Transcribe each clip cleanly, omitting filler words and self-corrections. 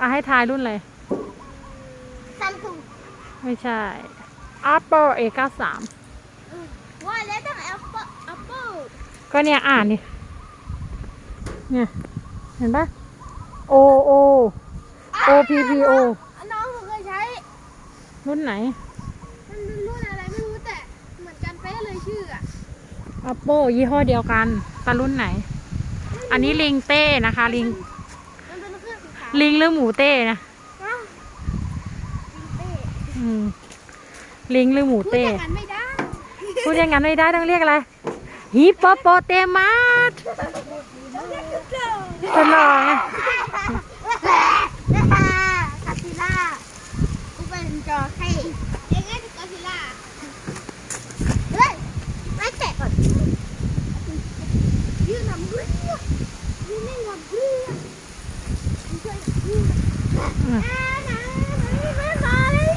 ให้ทายรุ่นอะไรซัมซุงไม่ใช่ Apple A93 ว่าแล้วต้องแอปเปิลก็เนี่ยอ่านดิเนี่ยเห็นปะ O O O P P O น้องเคยใช้รุ่นไหนมันรุ่นอะไรไม่รู้แต่เหมือนกันเป๊ะเลยชื่ออะ Apple ยี่ห้อเดียวกันแต่รุ่นไหน อันนี้ลิงเต้นะคะ ลิงมันเป็นเครื่องสีขาวลิงหรือหมูเต้นะอ้าวเต้อืมลิงหรือหมูพูดเต้อย่างนั้นไม่ได้พูดอย่างนั้นไม่ได้ต้องเรียกอะไรฮิปโปโปเตมัสเป็นรอไงกาซิล่ากูเป็นจอให้เองไงกาซิล่าเฮ้ยไม่แตะก่อนยืนทำเรื่องยืนไม่ทำเรื่องช่วยยืนไม่มาเลย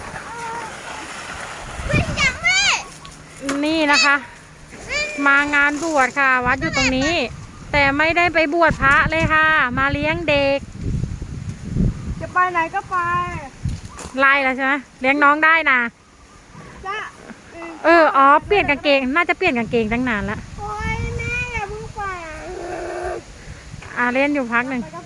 เป็นยังไงนี่นะคะ มางานบวชค่ะ วัดอยู่ตรงนี้ แต่ไม่ได้ไปบวชพระเลยค่ะ มาเลี้ยงเด็กจะไปไหนก็ไปไล่แล้วใช่ไหมเลี้ยงน้องได้นะจ้ะอ๋อเปลี่ยนกางเกงน่าจะเปลี่ยนกางเกงตั้งนานแล้วโอ้ยแม่อย่าเพิ่งไปเล่นอยู่พักหนึ่งไปก็